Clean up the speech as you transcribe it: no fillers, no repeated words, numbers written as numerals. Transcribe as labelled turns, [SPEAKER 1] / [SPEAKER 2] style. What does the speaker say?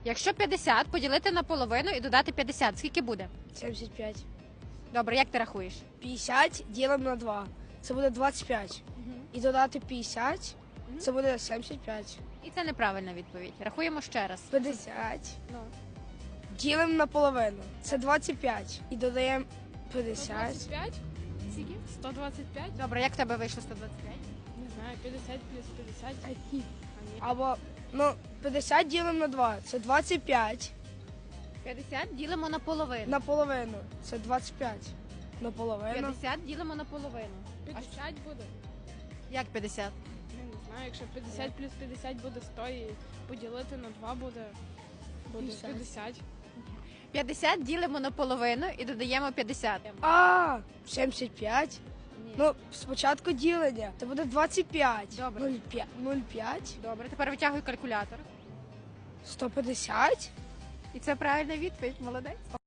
[SPEAKER 1] Якщо 50 поділити на половину і додати 50, скільки буде?
[SPEAKER 2] 75.
[SPEAKER 1] Добре, як ти рахуєш?
[SPEAKER 2] 50 ділимо на 2. Це буде 25. І додати 50, це буде 75.
[SPEAKER 1] І це неправильна відповідь. Рахуємо ще раз.
[SPEAKER 2] 50
[SPEAKER 1] Ну.
[SPEAKER 2] ділимо на половину. Це 25. І додаємо 50.
[SPEAKER 3] 125?
[SPEAKER 1] Скільки?
[SPEAKER 3] 125?
[SPEAKER 1] Добре, як в тебе вийшло 125?
[SPEAKER 3] Не знаю, 50 плюс 50. А ні.
[SPEAKER 2] Або, 50 ділимо на 2. Це 25.
[SPEAKER 1] 50 ділимо на половину.
[SPEAKER 2] На половину. Це 25. На половину.
[SPEAKER 1] 50 ділимо на половину.
[SPEAKER 3] 50 буде?
[SPEAKER 1] Як 50?
[SPEAKER 3] Я не знаю, якщо 50 плюс 50 буде 100 і поділити на 2 буде 50.
[SPEAKER 1] 50 ділимо на половину і додаємо 50.
[SPEAKER 2] 75.
[SPEAKER 1] Ні.
[SPEAKER 2] Ну, спочатку ділення. Це буде 25.
[SPEAKER 1] Добре.
[SPEAKER 2] 0,5.
[SPEAKER 1] Добре, тепер витягуй калькулятор.
[SPEAKER 2] 150.
[SPEAKER 1] І це правильна відповідь. Молодець.